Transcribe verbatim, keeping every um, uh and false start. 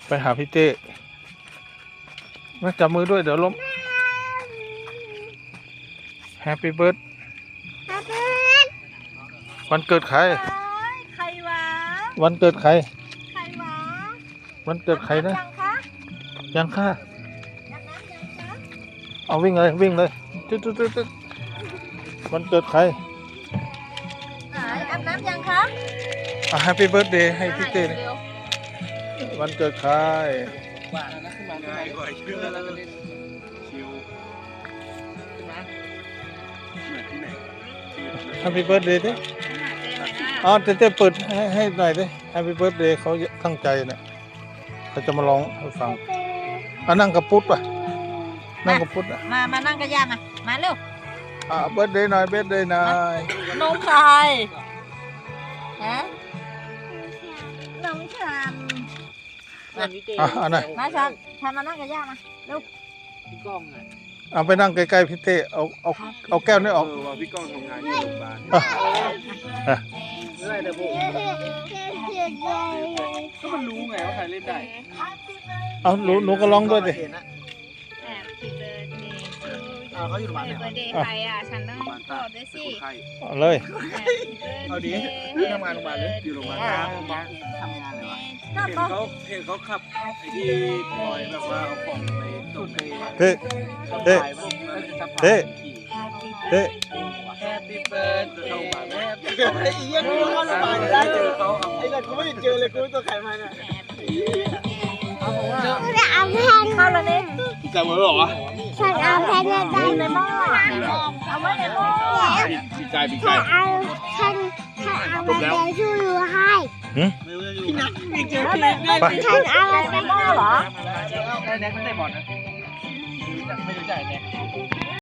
ไปหาพี่เต้มาจับมือด้วยเดี๋ยวล้มแฮปปี้เบิร์ดวันเกิดใครใครวะวันเกิดใครใครวะวันเกิดใครนะยังคะยังค่ะยังนั้นยังคะเอาวิ่งเลยวิ่งเลยตึ๊ดตึ๊ดตึ๊ดตึ๊ดวันเกิดใครไหนอาบน้ำยังคะอ่ะแฮปปี้เบิร์ดเดย์ให้พี่เต้วันเกิดใครว่านะขึ้นมาง่ายกว่าเชื่อแล้วก็เล่นชิวขึ้นมาเหมือนที่ไหนแฮปปี้เบิร์ดเดย์ดิอ๋อเต้เต้เปิดให้ให้หน่อยดิแฮปปี้เบิร์ดเดย์เขาตั้งใจเนี่ยเขาจะมาร้องให้ฟังอ่ะนั่งกับปุ๊ดป่ะนั่งกับปุ๊ดอ่ะมามานั่งกับย่ามามาเร็วอ่ะเบิร์ดเดย์หน่อยเบิร์ดเดย์หน่อยนมใครฮะนมฉันอ่ะอันไหนมาฉันฉันมานั่งกับย่ามาเร็วพี่ก้องไงเอาไปนั่งใกล้ๆพี่เต้เอาเอาเอาแก้วนี้ออกเออว่าพี่ก้องทำงานอยู่โรงพยาบาลไม่ได้แต่ผมก็มันรู้ไงว่าใครเล่นได้เอาหนูหนูก็ร้องด้วยดิเขาอยู่โรงพยาบาลเนี่ยเบอร์เดย์ใครอ่ะฉันต้องตอบด้วยสิเอาเลยเอาดิทำงานโรงพยาบาลเลยอยู่โรงพยาบาลโรงพยาบาลทำงานเลยวะเห็นเขาเห็นเขาขับไอ้ที่ปล่อยแบบว่าเอาของไปส่งไปเต้เต้เต้เต้แฮปปี้เบิร์ดเข้ามาแม่ไอ้เหี้ยกูเข้าโรงพยาบาลได้เจอเขาไอ้เหี้ยกูไม่ได้เจอเลยกูตัวใครมาเนี่ยเอาแพนเข้าแล้วนี่จำไว้หรอวะฉันเอาแพนในในหม้อเอาไว้ในหม้อปีกไก่ปีกไก่เอาฉันฉันเอาแพนช่วยดูให้พี่นัทพี่เจอพี่ฉันเอาในหม้อเหรอได้แน็กไม่ได้บอลนะไม่รู้จักไม่รู้จักแน็ก